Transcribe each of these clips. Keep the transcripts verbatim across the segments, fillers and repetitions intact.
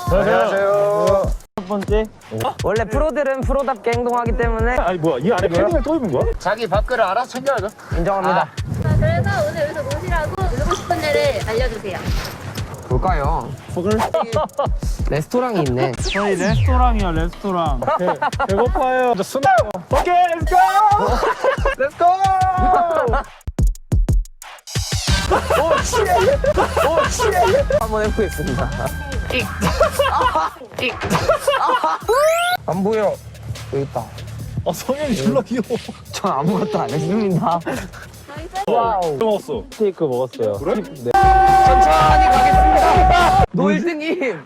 안녕하세요. 첫 번째. 원래 프로들은 프로답게 행동하기 때문에. 아니 뭐야, 이 안에 패딩을 또 입은 거야? 자기 밥그릇 알아서 챙겨야죠. 인정합니다. 자, 그래서 오늘 여기서 노시라고 누르고 싶은 데를 알려주세요. 볼까요? fog을? 레스토랑이 있네. 저희 레스토랑이야, 레스토랑. 배, 배고파요. 저 스노. 오케이, 렛츠고! 렛츠고! 오, 치에! 오, 치에! 한번 해보겠습니다. 안 보여. 여기 있다. 아, 성현이 졸라 귀여워. 전 아무것도 안 했습니다. 와우. 먹었어. 스테이크 먹었어요. 그래? 네. 천천히 가겠습니다. 노일등님.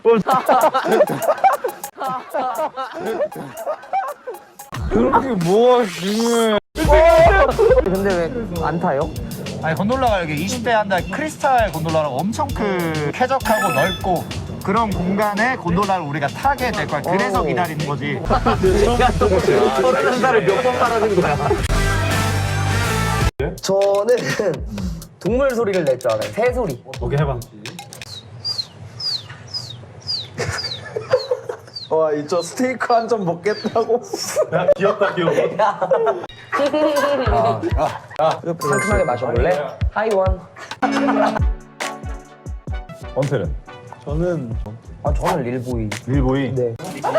그렇게 뭐가 중요해. 근데 왜 안 타요? 아니 곤돌라가 여기 이십 대 한 달 크리스탈 곤돌라라고 엄청 큰 쾌적하고 넓고 그런 공간에 곤돌라를 우리가 타게 될 거야. 그래서 오. 기다리는 거지. 서른 살을 몇 번 말하는 거야? 저는 동물 소리를 낼 줄 알아요. 새 소리. 오케이, 해봐. 와, 이 저 스테이크 한 점 먹겠다고. 야, 귀엽다, 귀여워. 상큼하게 마셔볼래? 하이원. 원태는? 저는 아 저는 릴보이. 릴보이? 네.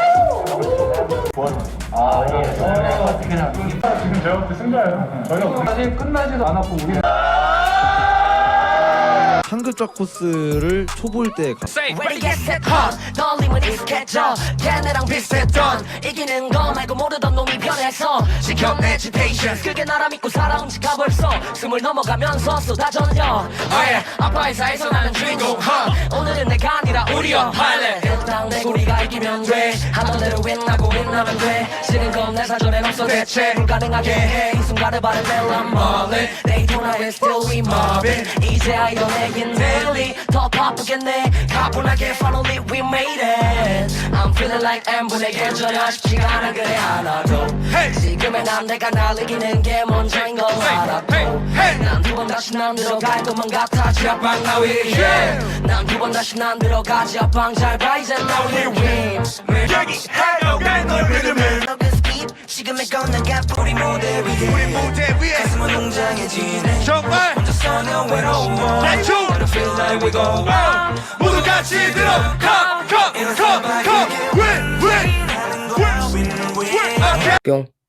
상급적 코스를 초보일 때 가. Ready get set hot 떨림은 익숙했죠 걔네랑 비슷했던 이기는 거 말고 모르던 놈이 변해서 지켜내 agitation 그게 나라 믿고 살아온 지가 벌써 스물 넘어가면서 쏟아졌냐 아예 아빠 회사에서 나는 주인공 huh? 오늘은 내가 아니라 우리여 할래 일단 내 우리가 이기면 돼 하던 대로 윈나고 윈나면 돼 지는 건 내 사전엔 없어 대체 불가능하게 해 이 순간을 바라벨 I'm 멀리 They don't have it still we mob it 이제야 이뤄내긴 daily 더 바쁘겠네 가뿐하게 finally we made it I'm feeling like M분에게 전혀 쉽지가 않아 그래 하나도 지금의 난 내가 날 이기는 게 먼저인 걸 알았고 난 두 번 다시 난 들어갈 것만 같아 지하방 나 위에 난 두 번 다시 난 들어가 지하방 잘 봐 이제 나 위에 win 얘기해 널 믿으면 지금의 건 내가 우리 무대 위에 우리 무대 위에 가슴은 웅장해지네 정말 혼자서는 외로워 대충 feel like we go on 모두 같이 들어 come come come come win win win win win okay 뿅.